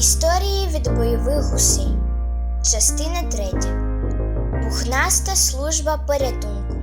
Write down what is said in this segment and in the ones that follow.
Історії від бойових гусей. Частина 3. Пухнаста служба порятунку.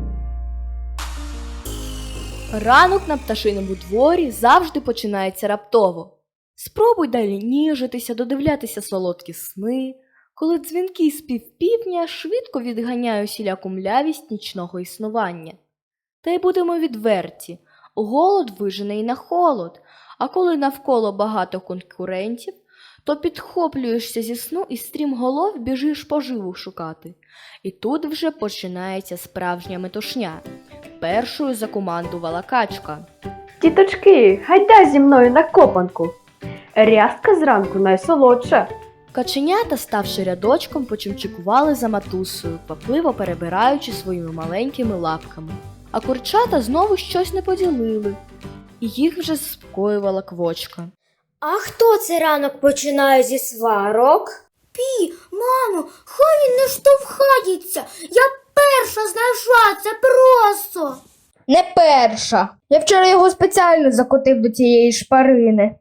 Ранок на пташиному дворі завжди починається раптово. Спробуй далі ніжитися, додивлятися солодкі сни, коли дзвінкий спів півдня швидко відганяє усіляку млявість нічного існування. Та й будемо відверті, голод вижене й на холод, а коли навколо багато конкурентів, то підхоплюєшся зі сну і стрімголов біжиш поживу шукати. І тут вже починається справжня метушня. Першою закомандувала качка. Тіточки, гайда зі мною на копанку. Рязка зранку найсолодша. Каченята, ставши рядочком, почимчикували за матусею, квапливо перебираючи своїми маленькими лапками. А курчата знову щось не поділили, і їх вже заспокоювала квочка. А хто це ранок починає зі сварок? Мамо, хай він не штовхається. Я перша знайшла це просто. Не перша. Я вчора його спеціально закотив до цієї шпарини.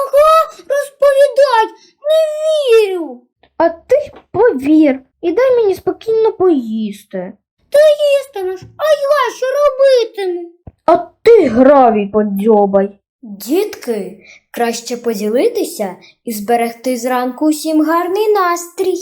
Розповідай, не вірю. А ти повір і дай мені спокійно поїсти. Їстимеш, а я що робитиму? А ти гравій подзьобай. Дітки, краще поділитися і зберегти зранку усім гарний настрій.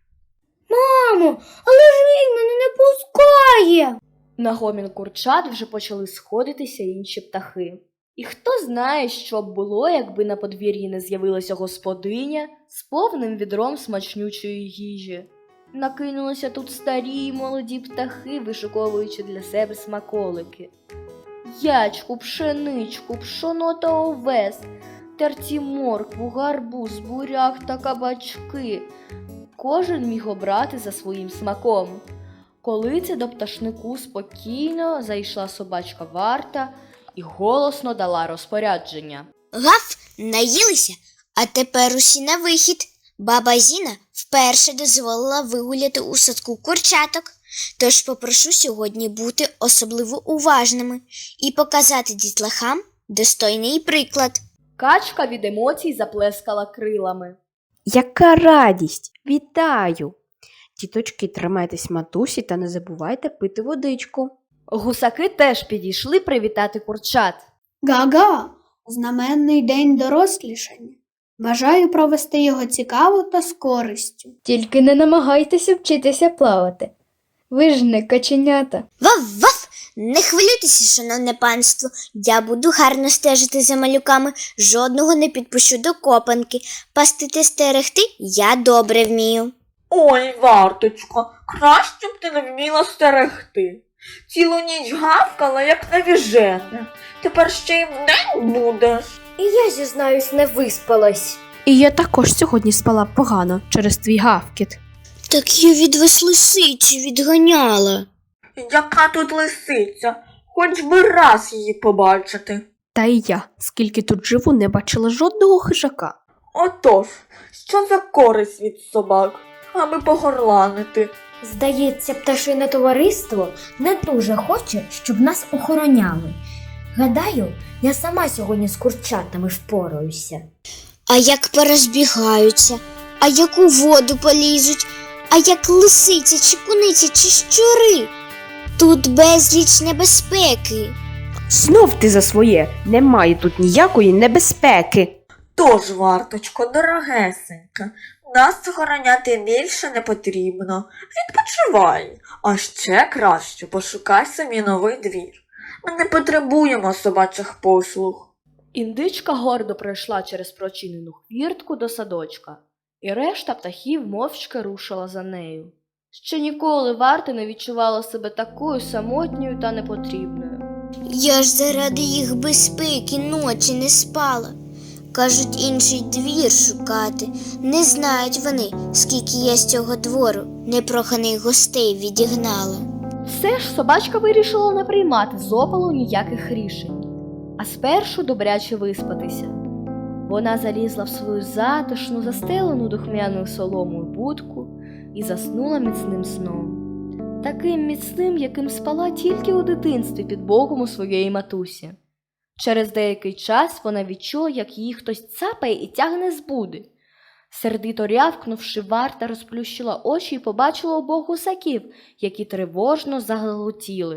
Мамо, але ж він мене не пускає. На гомін курчат вже почали сходитися інші птахи. І хто знає, що б було, якби на подвір'ї не з'явилася господиня з повним відром смачнючої їжі. Накинулися тут старі й молоді птахи, вишуковуючи для себе смаколики. Ячку, пшеничку, пшоно та овес, терті моркву, гарбуз, буряк та кабачки. Кожен міг обрати за своїм смаком. Коли це до пташнику спокійно зайшла собачка Варта і голосно дала розпорядження. Гав, наїлися, а тепер усі на вихід. Баба Зіна вперше дозволила вигуляти у садку курчаток, тож попрошу сьогодні бути особливо уважними і показати дітлахам достойний приклад. Качка від емоцій заплескала крилами. Яка радість! Вітаю! Тіточки, тримайтесь матусі та не забувайте пити водичку. Гусаки теж підійшли привітати курчат. Га-га! Знаменний день дорослішання. Бажаю провести його цікаво та з користю. Тільки не намагайтеся вчитися плавати. Ви ж не каченята. Вав-вав! Не хвилюйтеся, шановне панство, я буду гарно стежити за малюками, жодного не підпущу до копанки. Пасти та стерегти я добре вмію. Ой, Варточко, краще б ти не вміла стерегти. Цілу ніч гавкала, як навіжена. Тепер ще й вдень будеш. І я, зізнаюсь, не виспалась. І я також сьогодні спала погано через твій гавкіт. Так я від вас лисиці відганяла. Яка тут лисиця? Хоч би раз її побачити. Та й я, скільки тут живу, не бачила жодного хижака. Отож, що за користь від собак, аби погорланити? Здається, пташине товариство не дуже хоче, щоб нас охороняли. Гадаю, я сама сьогодні з курчатами впораюся. А як порозбігаються, а як у воду полізуть, а як лисиця чи куниця чи щури. Тут безліч небезпеки. Знов ти за своє, немає тут ніякої небезпеки. Тож, Варточко, дорогесенька, нас охороняти більше не потрібно. Відпочивай, а ще краще пошукай собі новий двір. Ми не потребуємо собачих послуг. Індичка гордо пройшла через прочинену хвіртку до садочка, і решта птахів мовчки рушила за нею. Ще ніколи Варта не відчувала себе такою самотньою та непотрібною. Я ж заради їх безпеки ночі не спала. Кажуть, інший двір шукати. Не знають вони, скільки я з цього двору непроханих гостей відігнала. Все ж собачка вирішила не приймати з опалу ніяких рішень, а спершу добряче виспатися. Вона залізла в свою затишну, застелену духмяною соломою будку і заснула міцним сном. Таким міцним, яким спала тільки у дитинстві під боком у своєї матусі. Через деякий час вона відчула, як її хтось цапає і тягне з буди. Сердито рявкнувши, варта розплющила очі і побачила обох гусаків, які тривожно загалутіли.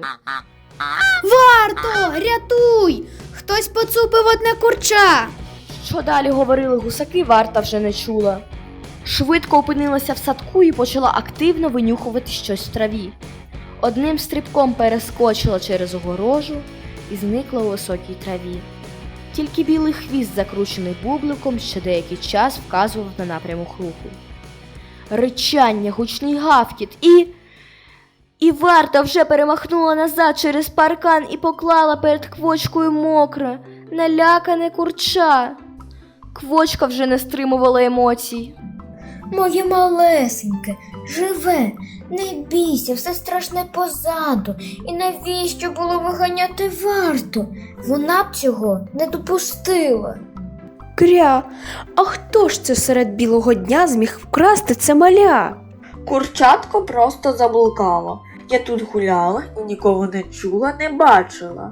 Варто, рятуй! Хтось поцупив одне курча. Що далі говорили гусаки, варта вже не чула. Швидко опинилася в садку і почала активно винюхувати щось в траві. Одним стрибком перескочила через огорожу і зникла у високій траві. Тільки білий хвіст, закручений бубликом, ще деякий час вказував на напрямок руху. Ричання, гучний гавкіт І варта вже перемахнула назад через паркан і поклала перед Квочкою мокре, налякане курча. Квочка вже не стримувала емоцій. Моє малесеньке, живе, не бійся, все страшне позаду. І навіщо було виганяти варту? Вона б цього не допустила. Кря, а хто ж це серед білого дня зміг вкрасти це маля? Курчатко просто заблукало. Я тут гуляла і нікого не чула, не бачила.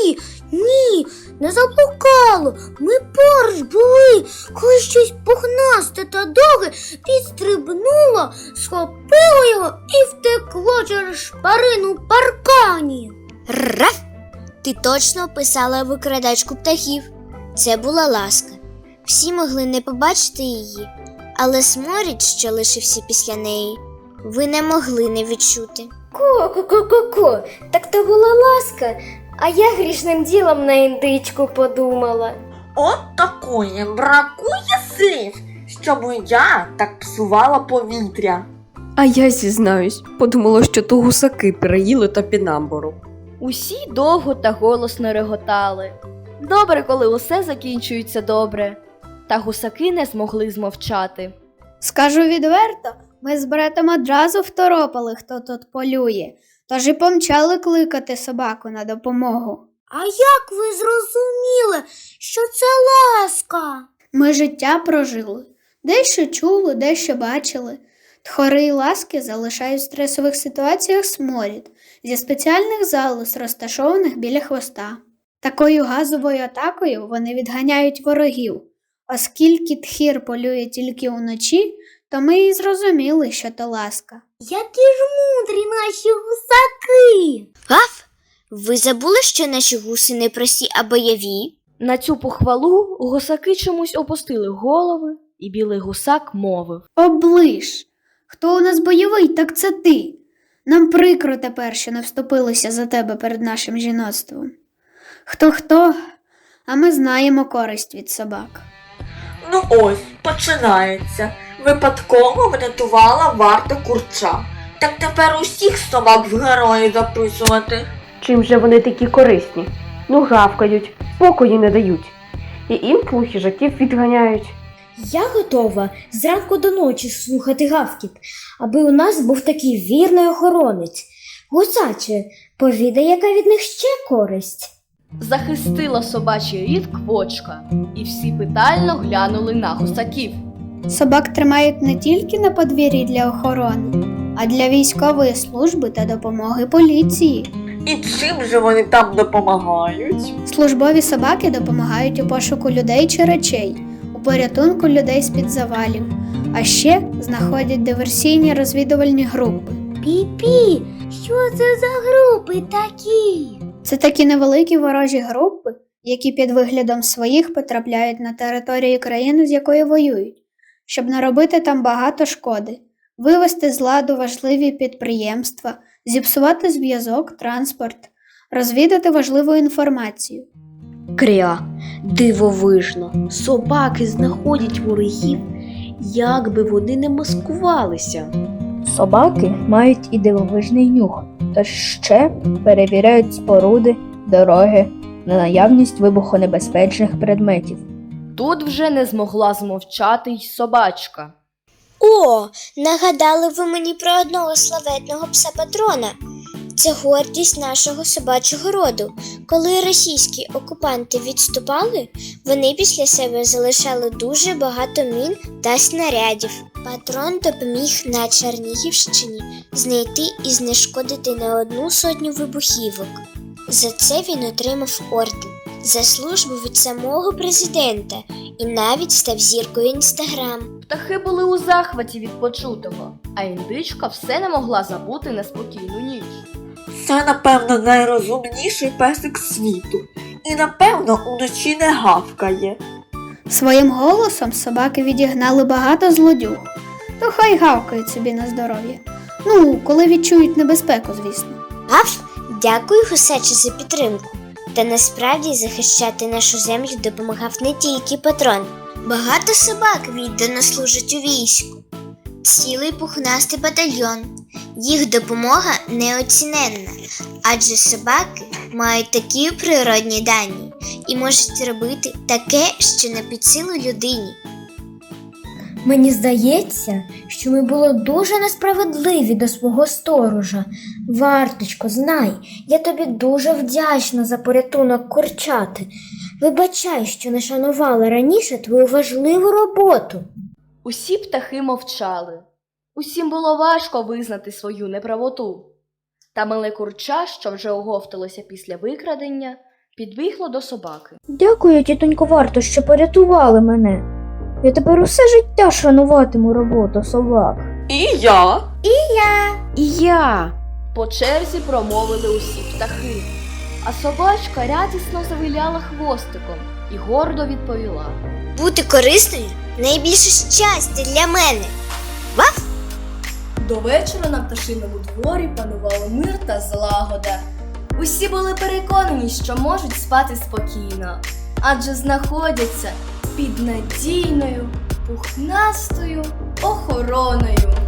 Ні, не заблукало. Ми поруч були, коли щось пухнасте та довге підстрибнуло, схопило його і втекло через шпарину в паркані. Раф! Ти точно описала викрадачку птахів. Це була Ласка. Всі могли не побачити її, але сморід, що лишився після неї, ви не могли не відчути. Ко-ко-ко-ко-ко, так то була Ласка, а я грішним ділом на індичку подумала. От такої бракує слів, щоб я так псувала повітря. А я зізнаюсь, подумала, що то гусаки переїли топінамбуру. Усі довго та голосно реготали. Добре, коли усе закінчується добре. Та гусаки не змогли змовчати. Скажу відверто, ми з братом одразу второпали, хто тут полює, тож і помчали кликати собаку на допомогу. А як ви зрозуміли, що це Ласка? Ми життя прожили, дещо чули, дещо бачили. Тхори й ласки залишають в стресових ситуаціях сморід зі спеціальних залоз, розташованих біля хвоста. Такою газовою атакою вони відганяють ворогів. Оскільки тхір полює тільки уночі, то ми і зрозуміли, що то Ласка. Які ж мудрі наші гусаки! Гав! Ви забули, що наші гуси не прості, а бойові? На цю похвалу гусаки чомусь опустили голови, і білий гусак мовив. Оближ! Хто у нас бойовий, так це ти. Нам прикро тепер, що не вступилися за тебе перед нашим жіноцтвом. Хто, а ми знаємо користь від собак. Ну ось, починається. Випадково врятувала варта курча. Так тепер усіх собак в герої записувати. Чим же вони такі корисні? Ну гавкають, спокою не дають. І інколи хижаків відганяють. Я готова зранку до ночі слухати гавкіт, аби у нас був такий вірний охоронець. Гусаче, повідай, яка від них ще користь. Захистила собачий рід Квочка, і всі питально глянули на гусаків. Собак тримають не тільки на подвір'ї для охорони, а для військової служби та допомоги поліції. І чим же вони там допомагають? Службові собаки допомагають у пошуку людей чи речей, у порятунку людей з-під завалів, а ще знаходять диверсійні розвідувальні групи. Пі-пі, що це за групи такі? Це такі невеликі ворожі групи, які під виглядом своїх потрапляють на територію країни, з якої воюють, щоб наробити там багато шкоди, вивести з ладу важливі підприємства, зіпсувати зв'язок, транспорт, розвідати важливу інформацію. Кря, дивовижно, собаки знаходять ворогів, як би вони не маскувалися. Собаки мають і дивовижний нюх, тож ще перевіряють споруди, дороги на наявність вибухонебезпечних предметів. Тут вже не змогла змовчати й собачка. О, нагадали ви мені про одного славетного пса-патрона. Це гордість нашого собачого роду. Коли російські окупанти відступали, вони після себе залишали дуже багато мін та снарядів. Патрон допоміг на Чернігівщині знайти і знешкодити не 100 вибухівок. За це він отримав орден за службу від самого президента і навіть став зіркою Інстаграм. Птахи були у захваті від почутого, а індичка все не могла забути неспокійну ніч. Це, напевно, найрозумніший песик світу. І, напевно, уночі не гавкає. Своїм голосом собаки відігнали багато злодюг. То хай гавкають собі на здоров'я. Ну, коли відчують небезпеку, звісно. Гав, дякую, гусаче, за підтримку. Та насправді захищати нашу землю допомагав не тільки патрон. Багато собак віддано служать у війську. Цілий пухнастий батальйон. Їх допомога неоціненна, адже собаки мають такі природні дані і можуть робити таке, що не під силу людині. Мені здається, що ми були дуже несправедливі до свого сторожа. Варточко, знай, я тобі дуже вдячна за порятунок курчати. Вибачай, що не шанувала раніше твою важливу роботу. Усі птахи мовчали. Усім було важко визнати свою неправоту. Та мале курча, що вже оговталося після викрадення, підбігло до собаки. Дякую, тітонько Варто, що порятували мене. Я тепер усе життя шануватиму роботу собак. І я. І я. По черзі промовили усі птахи, а собачка радісно завиляла хвостиком і гордо відповіла. Бути корисною – найбільше щастя для мене. Ваф! До вечора на пташиному дворі панували мир та злагода. Усі були переконані, що можуть спати спокійно, адже знаходяться під надійною, пухнастою охороною.